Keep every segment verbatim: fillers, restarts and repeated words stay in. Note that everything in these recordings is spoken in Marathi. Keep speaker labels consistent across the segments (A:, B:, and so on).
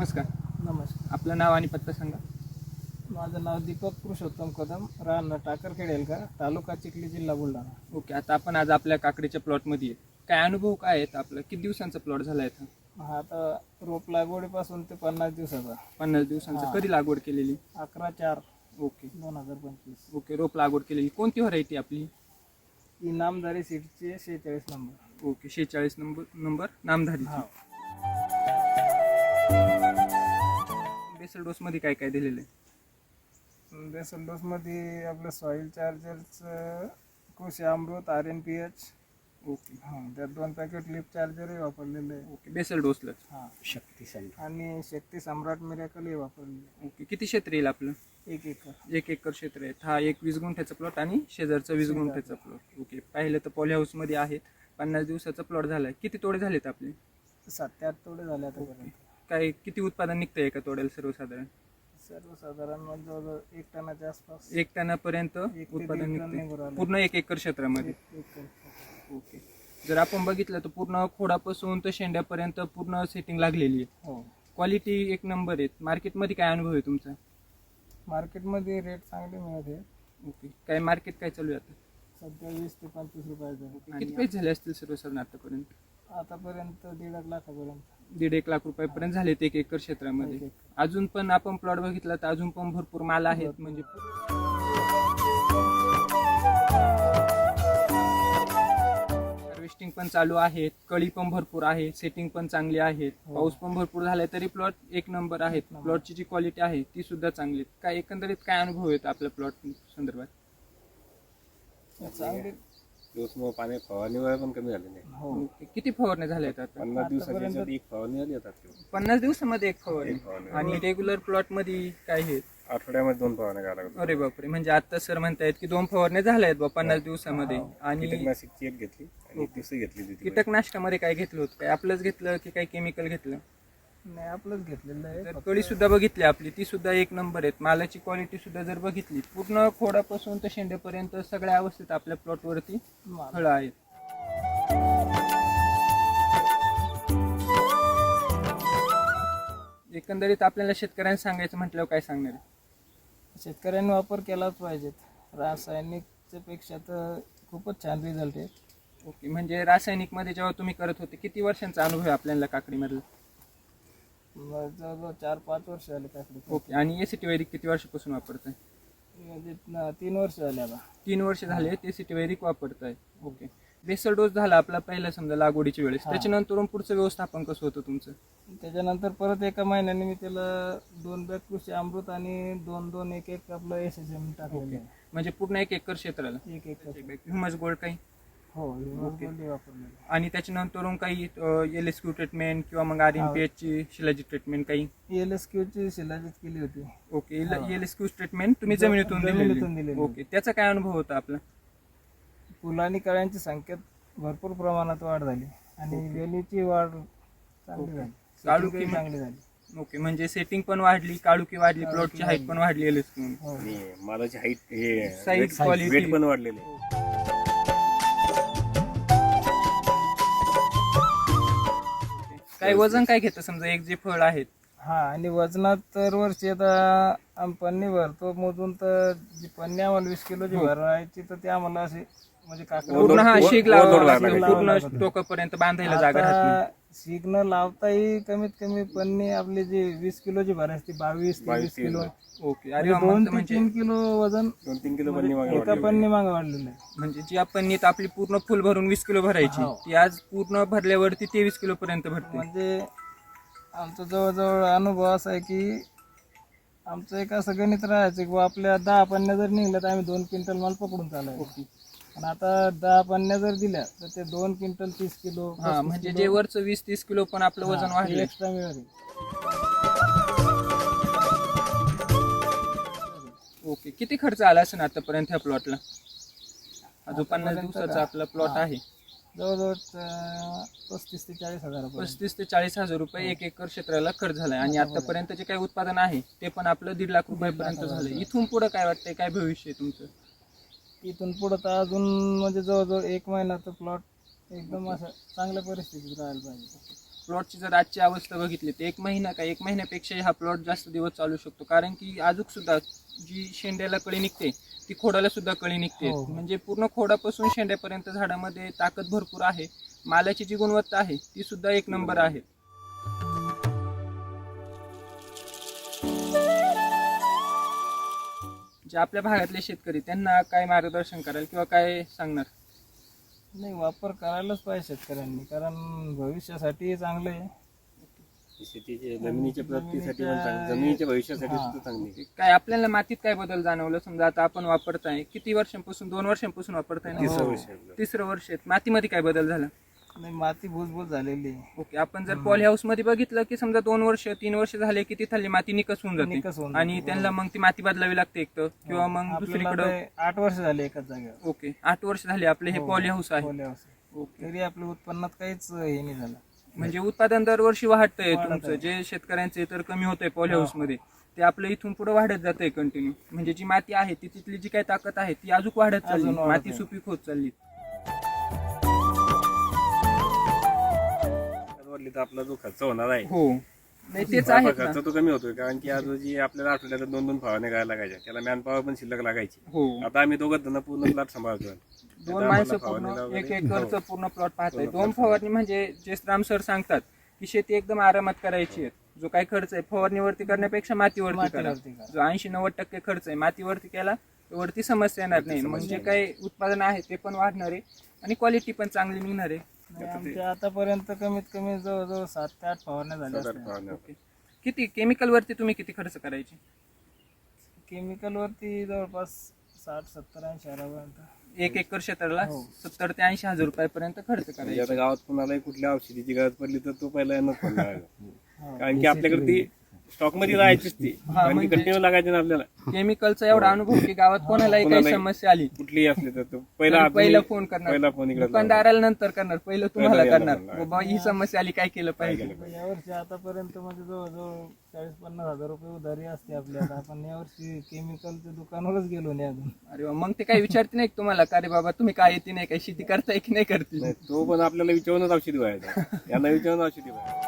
A: नमस्कार.
B: नमस्कार.
A: आपलं नाव आणि पत्ता सांगा.
B: माझं नाव दीपक पुरुषोत्तम कदम, राहणार टाकरखेड एलका, तालुका चिखली, जिल्हा बुलढाणा.
A: ओके. आता आपण आज आपल्या काकडीच्या प्लॉटमध्ये आहे. काय अनुभव काय आहेत आपलं? किती दिवसांचा प्लॉट झाला आहे?
B: हा आता रोप लागवडीपासून ते पन्नास दिवसाचा.
A: पन्नास दिवसांचा.
B: हा.
A: कधी लागवड केलेली?
B: अकरा चार
A: ओके
B: दोन हजार पंचवीस.
A: ओके. रोप लागवड केलेली. कोणती व्हरायटी आपली?
B: इनामदारी सीटचे शेहेचाळीस नंबर.
A: ओके. शेहेचाळीस नंबर नंबर नामधारी.
B: हा.
A: बेसल डोस मध्ये काय काय दिलेलं आहे?
B: बेसल डोसमध्ये आपलं सॉईल चार्जरचं कृषी अमृत, R N P H.
A: Okay.
B: हां, त्यात दोन पॅकेट लिप चार्जरही वापरलेले आहे.
A: ओके. बेसल डोसला.
B: हां, शक्ती सम्राट आणि शक्ती सम्राट मिरॅकलही वापरलेले.
A: ओके. किती क्षेत्र येईल आपलं?
B: एक एकर.
A: एक एकर क्षेत्र आहे. हा एक वीस गुंठ्याचा प्लॉट आणि शेजारचा वीस गुंठ्याचा प्लॉट. ओके. पाहिलं तर पॉली हाऊस मध्ये आहेत. पन्नास दिवसाचा प्लॉट झालाय. किती तोडे झालेत आपले?
B: सात ते आठ तोडे झाले आतापर्यंत.
A: काय किती उत्पादन निघतंय एका तोड्याला सर्वसाधारण?
B: सर्वसाधारण म्हणजे जवळजवळ एक टनाच्या आसपास.
A: एक टनापर्यंत
B: एक ते
A: उत्पादन
B: दीड टन निघून
A: निघतंय
B: राहिलं.
A: पूर्ण एक एकर क्षेत्रामध्ये.
B: एक- एक टन.
A: ओके. जर आपण बघितलं तर पूर्ण खोडापासून तर शेंड्यापर्यंत पूर्ण सेटिंग लागलेली आहे.
B: हो.
A: क्वालिटी एक नंबर आहे. मार्केटमध्ये काय अनुभव आहे तुमचा?
B: मार्केटमध्ये रेट चांगले मिळते.
A: ओके. काय मार्केट काय चालू आहे आता?
B: सध्या वीस ते पंचवीस रुपयाचं.
A: किती पैसे झाले असतील सर्वसाधारण आतापर्यंत?
B: आतापर्यंत दीड एक लाखापर्यंत.
A: दीड एक लाख रुपयापर्यंत झालेत एक एकर क्षेत्रामध्ये.
B: एक एकर.
A: अजून पण आपण प्लॉट बघितला तर अजून पण भरपूर माल आहेत. म्हणजे हार्वेस्टिंग पण चालू आहेत. कळी पण भरपूर आहे. सेटिंग पण चांगली आहे.
B: हो.
A: पाऊस पण भरपूर झालाय तरी प्लॉट एक नंबर आहेत.
B: एक नंबर.
A: प्लॉटची जी क्वालिटी आहे ती सुद्धा चांगली आहे. काय एकंदरीत काय अनुभव येतो आपल्या प्लॉट संदर्भात?
B: चांगले.
C: दिवसमोर पाणी फवारणीवर पण कमी झाले नाही.
B: हो.
A: ओके. किती फवारण्या झाल्या आहेत आता?
C: पन्नास दिवसाची
B: आतापर्यंत-
C: याच्यात एक फवारणी आली आता आपली.
A: पन्नास दिवसामध्ये एक फवारणी.
C: एक फवारणी.
A: आणि रेग्युलर प्लॉट मध्ये काय आहे?
C: आठवड्यामध्ये दोन फवारण्या कराव्या लागतात.
A: अरे बापरे. म्हणजे आता सर म्हणतायत की दोन फवारण्या झाल्या आहेत बा पन्नास दिवसामध्ये.
B: हो.
A: आणि
C: कीटकनाशकची एक घेतली आणि एक दुसरी घेतली होती.
A: कीटकनाशकामध्ये काय घेतलं होतं? काय आपलंच घेतलं की काय केमिकल घेतलं?
B: नाही, आपलंच घेतलेलं आहे.
A: तर
B: फक्त
A: कळी सुद्धा बघितली आपली, ती सुद्धा एक नंबर आहेत. मालाची क्वालिटी सुद्धा जर बघितली पूर्ण खोडापासून तर शेंड्यापर्यंत सगळ्या अवस्थेत आपल्या प्लॉटवरती
B: माल.
A: फळं आहेत. एकंदरीत आपल्याला शेतकऱ्यांना सांगायचं म्हटल्यावर काय सांगणार आहे?
B: शेतकऱ्यांनी वापर केलाच पाहिजेत. रासायनिकच्या पेक्षा तर खूपच छान रिझल्ट आहे.
A: ओके. म्हणजे रासायनिक मध्ये जेव्हा तुम्ही करत होते किती वर्षांचा अनुभव आहे आपल्याला काकडीमधला?
B: मग जवळजवळ चार पाच वर्ष झाले काकडी.
A: ओके. आणि एसीटी वैदिक किती वर्षापासून वापरताय?
B: म्हणजे न- तीन वर्ष झाले आता.
A: तीन वर्ष झाले एसीटी वैदिक वापरताय. ओके. बेसल डोस झाला आपला पहिला समजा लागवडीच्या वेळेस.
B: हा.
A: त्याच्यानंतर पुढचं व्यवस्थापन कसं होतं तुमचं?
B: त्याच्यानंतर परत एका महिन्याने मी त्याला दोन बॅग कृषी अमृत आणि दोन दोन एक एक आपलं एस एस एम टाकलेलं आहे.
A: म्हणजे पूर्ण एक एकर क्षेत्राला
B: एक एक
A: ह्युमस गोल्ड काही
B: हो
A: ओके.
B: वापरलेलं.
A: आणि त्याच्यानंतर काही एल एस क्यू ट्रीटमेंट किंवा मग आर एन पी एच ची शिलाजी ट्रीटमेंट काही?
B: एल एस क्यू ची शिलाजीत केली होती.
A: ओके.
B: हा.
A: एल एस क्यू ट्रीटमेंट तुम्ही
B: ज-
A: जमिनीतून
B: जमिनीतून
A: दिलेली.
B: दिलेली.
A: ओके. त्याचा काय अनुभव होता आपला?
B: फुलं आणि कळ्यांची संख्येत भरपूर प्रमाणात वाढ झाली आणि
A: ओके.
B: वेलीची वाढ चांगली
A: ओके.
B: झाली.
A: काळुकी
B: शेतीही
A: मग-
B: चांगली झाली.
A: ओके. म्हणजे सेटिंग पण वाढली, काळुकी वाढली,
B: काळुकी
A: प्लॉटची हाईट
B: वाढली.
A: पण वाढली एल एस क्यू.
B: हो.
C: आणि मालाची हाईट हे
A: Size, quality.
C: वेट पण वाढलेले आहे.
A: काय वजन काय घेतं समजा एक जे फळ आहेत?
B: हा आणि वजनात तर वर्षी आता आम्ही पन्नी भरतो मोजून, तर जी पन्नी आम्हाला वीस किलोची
A: हो.
B: भरायची तर ते आम्हाला असे म्हणजे काकडी
A: पूर्ण हा
C: वर-
A: शीग
C: वर-
A: लावावा
C: वर- वर-
A: लागतो.
C: लावावा
A: पूर्ण
B: लागतो.
A: टोकापर्यंत बांधायला जागा राहत नाही.
B: आता शीग न लावताही कमीत कमी पन्नी आपली जी वीस किलोची भरायची ती बावीस तेवीस
C: बावीस,
B: किलो.
A: ओके. अरे
B: म्हणजे
A: वा,
B: दोन
A: मस्त.
B: ते
A: म्हणजे
B: तीन किलो वजन
C: दोन तीन किलो पन्नी मागे
B: एका
C: वाढलेली आहे.
B: पन्नी मागे वाढलेलं आहे.
A: म्हणजे जी आपण नीट आपली पूर्ण फुल भरून वीस किलो भरायची
B: हो.
A: ती आज पूर्ण भरल्यावरती तेवीस किलो पर्यंत भरते.
B: म्हणजे आमचा जवळजवळ अनुभव असा आहे की आमचं एक असं गणित राहायचं की बुवा आपल्या दहा पन्न्या जर निघल्या तर आम्ही दोन क्विंटल माल पकडून चालायचो.
A: ओके.
B: आणि आता दहा पन्न्या जर दिल्या तर ते दोन क्विंटल तीस किलो
A: हा म्हणजे जे वरचं वीस तीस किलो पण आपलं वजन वाढलं.
B: एक्स्ट्रा मिळेल.
A: ओके. किती खर्च आला असेल आतापर्यंत ह्या प्लॉटला? जो पन्नास
B: आतापर्यंत
A: दिवसाचा
B: का?
A: आपला प्लॉट
B: हा.
A: आहे
B: जवळजवळ अं, पस्तीस ते चाळीस हजार
A: पस्तीस ते चाळीस हजार रुपये एक एकर क्षेत्राला खर्च झालाय. आणि आतापर्यंत जे काही उत्पादन आहे ते पण आपलं दीड लाख रुपयापर्यंत झालंय. इथून पुढे काय वाटतंय, काय भविष्य आहे तुमचं?
B: इथून पुढं तर अजून म्हणजे जवळजवळ एक महिन्याचा प्लॉट एकदम असं चांगल्या परिस्थितीत राहायला पाहिजे.
A: प्लॉटची जर आजची अवस्था बघितली तर एक महिना का एक महिन्यापेक्षाही हा प्लॉट जास्त दिवस चालू शकतो, कारण की अजून सुद्धा जी शेंड्याला कळी निघते ती खोडाला सुद्धा कळी निघते.
B: हो.
A: म्हणजे पूर्ण खोडापासून शेंड्यापर्यंत झाडामध्ये ताकद भरपूर आहे. मालाची जी गुणवत्ता आहे ती सुद्धा एक नंबर आहे. जे आपल्या भागातले शेतकरी त्यांना काय मार्गदर्शन कराल किंवा काय सांगणार?
B: नाही, वापर करायलाच पाहिजे शेतकऱ्यांनी, कारण भविष्यासाठी चांगलं आहे.
C: शेतीचे जमिनीच्या प्रगतीसाठी पण चांगली, जमिनीच्या भविष्यासाठी सुद्धा चांगली आहे.
A: काय आपल्याला मातीत काय बदल जाणवलं? समजा आता आपण वापरताय, किती वर्षांपासून? दोन वर्षांपासून वापरताय ना?
C: तिसरं
B: हो.
C: वर्ष आहे आपलं.
A: तिसरं वर्ष आहे. मातीमध्ये काय बदल झाला?
B: नाही, माती भुसभुस झालेली आहे.
A: ओके, आपण जर पॉली हाऊस मध्ये बघितलं की समजा दोन वर्ष तीन वर्ष झाले की तिथली माती निकस होऊन
B: निकस
A: जाते
B: होऊन
A: आणि
B: जाते,
A: त्यांना मग ती माती बदलावी लागते एक तर, किंवा मग
B: आपल्याला
A: दुसरीकडं.
B: ते आठ वर्ष झाले एकाच जागेवर.
A: ओके, आठ वर्ष झाले आपले हे
B: हो,
A: पॉली हाऊस आहे.
B: पॉली हाऊस आहे.
A: ओके,
B: तरी आपल्या उत्पन्नात काहीच हे नाही झालं.
A: म्हणजे उत्पादन दरवर्षी वाढतंय
B: वाढत
A: तुमचं.
B: आहे.
A: जे शेतकऱ्यांचे तर कमी होतंय पॉली
B: हा.
A: हाऊस मध्ये, ते आपलं इथून पुढे वाढत जातंय कंटिन्यू. म्हणजे जी माती आहे ती तिथली जी काही ताकद आहे ती अजून वाढत चालली,
B: अजून वाढत
A: माती
B: आहे.
A: सुपीक होत चालली.
C: वाढली तर आपला जो खर्च होणार आहे
A: हो, नाही तेच
C: आपला
A: आहे
C: खर्च तो कमी होतोय, कारण की आज जी आपल्याला आठवड्याला दोन दोन फवारण्या करायला लागायच्या, त्याला मॅन पॉवर पण शिल्लक लागायची.
A: हो,
C: आता आम्ही दोघं जण पूर्ण प्लॉट सांभाळतोय.
A: दोन
C: आता
A: माणसं
C: आम्हाला
A: पूर्ण
C: फवारणीला
A: एक
C: वगैरे-
A: एकरचं पूर्ण प्लॉट पाहताय.
C: पूर्ण
A: दोन
C: plot
A: फवारणी म्हणजे जे राम सर सांगतात की शेती एकदम आरामात करायची आहे. जो काही खर्च आहे फवारणीवरती करण्यापेक्षा मातीवरती करा.
B: मातीवरती करा.
A: जो ऐंशी नव्वद टक्के खर्च आहे मातीवरती केला तर वरती समस्या येणार नाही. म्हणजे काही उत्पादन आहे ते पण वाढणार आहे आणि क्वालिटी पण चांगली निघणार आहे.
B: नाही, आमच्या आतापर्यंत कमीत कमी जवळजवळ सात ते आठ फवारण्या झाल्या
C: सात आठ
B: असतील.
C: फवारण्या.
A: ओके, किती केमिकल वरती तुम्ही किती खर्च करायचे?
B: केमिकल वरती जवळपास साठ सत्तर ऐंशी हजारापर्यंत.
A: एक एकर क्षेत्राला
B: हो.
A: सत्तर ते ऐंशी हजार रुपयापर्यंत खर्च
C: म्हणजे
A: करायचा.
C: आता गावात कुणालाही कुठल्या औषधीची गरज पडली तर तो पहिला यांनाच फोन लावायचा.
B: हो.
C: कारण की आपल्याकडे ती स्टॉक मध्ये राहायचीच ती, कारण की
A: म्हणजे-
C: कंटिन्यू लागायची ना आपल्याला.
A: केमिकलचा एवढा अनुभव की गावात कोणालाही काही
C: कोणालाही-
A: समस्या आली
C: कुठलीही असली तर तो पहिला
A: तर
C: आदमी-
A: पहिला फोन करणार.
C: पहिला फोन इकडे
A: दुकानदाराला नंतर करणार, पहिलं तुम्हाला
C: पहिलं
A: करणार.
C: याला
A: बाबा ही समस्या आली, काय केलं
C: काय
A: पाहिजे?
C: केलं पाहिजे.
B: यावर्षी आतापर्यंत म्हणजे जवळजवळ चाळीस पन्नास हजार रुपये उधारी असते आपल्याला. आपण यावर्षी केमिकलच्या दुकानावरच गेलो नाही अजून.
A: अरे वा, मग ते काही विचारते नाही का तुम्हाला का रे बाबा तुम्ही काय येते नाही, काही शेती करताय की नाही करते?
C: नाही, तो पण आपल्याला विचारूनच औषधी व्हायचा, यांना विचारून औषधी व्हायचा.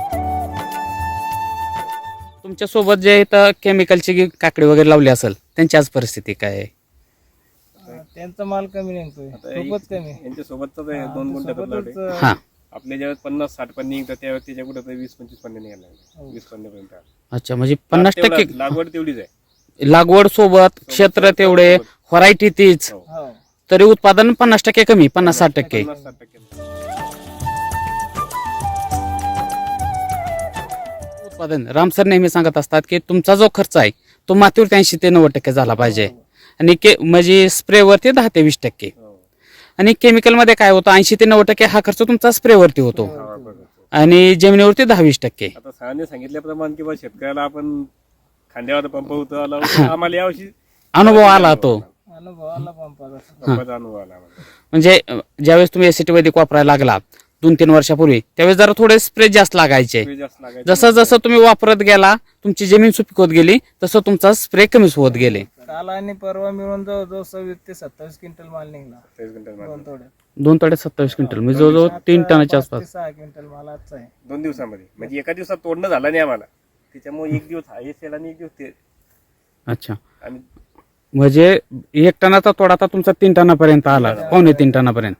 D: तुमच्या सोबत जे इथं केमिकलची काकडी वगैरे लावली असेल त्यांची आज परिस्थिती काय आहे?
B: अं, त्यांचा माल कमी निघतोय,
C: आता
B: खूपच कमी.
C: यांच्या सोबतच दोन गुंठ्यात प्लॉट आहे.
B: सोबतच,
D: हा,
C: आपल्या ज्यावेळेस पन्नास साठ पन्ने निघतात त्यावेळेस त्याच्या कुठं तरी वीस पंचवीस पन्ने निघायला लागले.
B: हो.
C: वीस पन्नेपर्यंत आले.
D: अच्छा, म्हणजे पन्नास
C: तेवढा-
D: टक्के
C: लागवड तेवढीच आहे.
D: लागवड सोबत क्षेत्र तेवढे, व्हरायटी तीच,
C: हो.
B: हो.
D: तरी उत्पादन पन्नास टक्के कमी, पन्नास साठ टक्के.
C: पन्नास साठ टक्के
D: उत्पादन राम सर नेहमी सांगत असतात की तुमचा जो खर्च आहे तो मातीवरती ऐंशी ते नव्वद टक्के झाला पाहिजे, आणि के म्हणजे स्प्रेवरती दहा ते वीस टक्के,
C: हो.
D: आणि केमिकल मध्ये काय होतं ऐंशी ते नव्वद टक्के हा खर्च तुमचा स्प्रेवरती होतो,
C: हा, बरोबर.
D: आणि जमिनीवरती दहा वीस टक्के.
C: आता सरांनी सांगितल्याप्रमाणे किंवा शेतकऱ्याला आपण खांद्यावर पंप होतो आला होता, आम्हाला यावर्षी
D: अनुभव आला तो.
B: अनुभव आला पंपाचा.
C: पंपाचा अनुभव आला आम्हाला.
D: म्हणजे अं, ज्यावेळेस तुम्ही एसीटी वैदिक वापरायला लागला दोन तीन वर्षापूर्वी, त्यावेळेस जरा थोडे स्प्रे जास्त लागायचे.
C: वेळ जास्त लागायचा.
D: जसं जसं तुम्ही वापरत गेला तुमची जमीन सुपीक होत गेली तसं तुमचा स्प्रे कमीच होत गेले.
B: काल आणि परवा मिळून जवळजवळ सव्वीस ते सत्तावीस क्विंटल माल निघला
C: तेवीस क्विंटल माल.
B: दोन तोड्यात.
D: दोन तोडे सत्तावीस क्विंटल म्हणजे जवळजवळ तीन टनाच्या
B: पाच ते
D: आसपास.
B: सहा क्विंटल माल आजचा आहे.
C: दोन दिवसामध्ये म्हणजे एका दिवसात तोडणं झालं नाही आम्हाला, त्याच्यामुळे एक दिवस हा एसेल आणि एक दिवस ते
D: अच्छा,
C: आम्ही
D: म्हणजे एक टनाचा तोडा आता तुमचा तीन टनापर्यंत आला, पावणे तीन टनापर्यंत.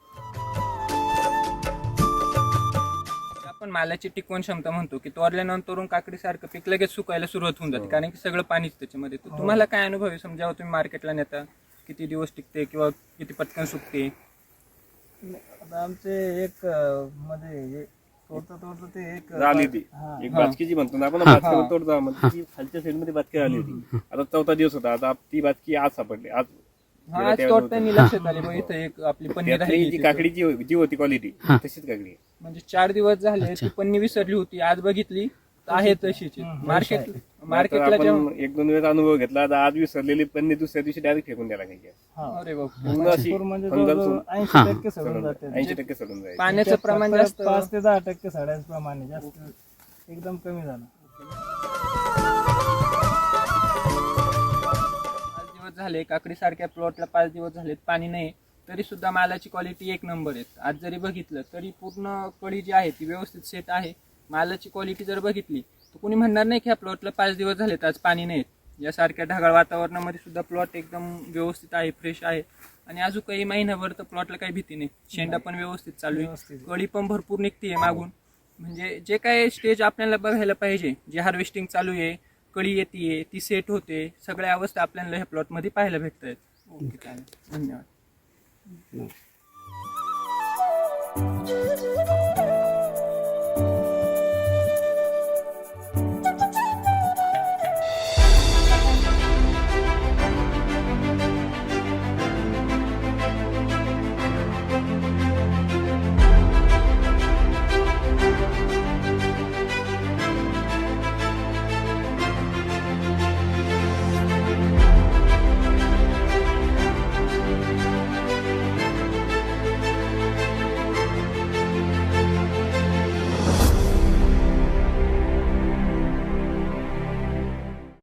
A: आपण मालाची टिकवण क्षमता म्हणतो की तोरल्यानंतरून काकडी सारखं पीक लगेच सुकायला सुरुवात होऊन जाते, कारण की सगळं पाणीच त्याच्यामध्ये. तर तुम्हाला काय अनुभव आहे? समजा तुम्ही मार्केटला नेता, किती दिवस टिकते किंवा किती पटकन सुकते?
B: आता आमचे एक अं, मध्ये हे तोडता तोडता ते एक
C: झाली ती
B: हा.
C: एक बाचकी जी म्हणतो ना आपण, बाचकी तोडतो म्हणजे ती खालच्या साईड मध्ये बाचकी आली होती. आता चौथा दिवस होता, आता ती बाचकी आज सापडली. आज
A: हा, आज तोडताना लक्षात आले बघ इथं एक आपली पन्नी
C: त्यातली जी
A: राहिली.
C: काकडीची हो- जी होती क्वालिटी तशीच काकडी आहे.
A: म्हणजे चार दिवस झाले ती पन्नी विसरली होती, आज बघितली तर आहे तशीच. मार्केट
C: नाहीतर
A: मार्केटला जेव्हा
C: आपण एक दोन वेळेस अनुभव घेतला, आता आज विसरलेली पन्नी दुसऱ्या दिवशी डायरेक्ट फेकून द्यायला लागायची.
B: हा.
A: अरे बाप,
C: पूर्ण अशी
B: पूर म्हणजे
C: फंगल
B: जवळजवळ ऐंशी टक्के सडून जाते.
C: ऐंशी टक्के सोडून जायची.
A: पाण्याचं प्रमाण
B: फक्त
A: जास्त.
B: पाच ते दहा टक्के साड्याचं प्रमाण आहे, जास्त एकदम कमी झालं.
A: पाच दिवस झाले काकडी सारख्या प्लॉटला पाच दिवस झालेत पाणी नाही, तरी सुद्धा मालाची क्वालिटी एक नंबर आहे. आज जरी बघितलं तरी पूर्ण कळी जी आहे ती व्यवस्थित सेट आहे. मालाची क्वालिटी जर बघितली तर कोणी म्हणणार नाही की ह्या प्लॉटला पाच दिवस झालेत आज पाणी नाही. यासारख्या ढगाळ वातावरणामध्ये सुद्धा प्लॉट एकदम व्यवस्थित आहे, फ्रेश आहे. आणि अजून काही महिनाभर तर प्लॉटला काही भीती नाही. शेंडा पण व्यवस्थित चालू आहे,
B: व्यवस्थित.
A: कळी पण भरपूर निघते मागून. म्हणजे जे काय स्टेज आपल्याला बघायला पाहिजे, जे हार्वेस्टिंग चालू आहे, कळी येते, ती सेट होते, सगळ्या अवस्था आपल्याला ह्या प्लॉटमध्ये पाहायला भेटत आहेत. ओके, चालेल, धन्यवाद.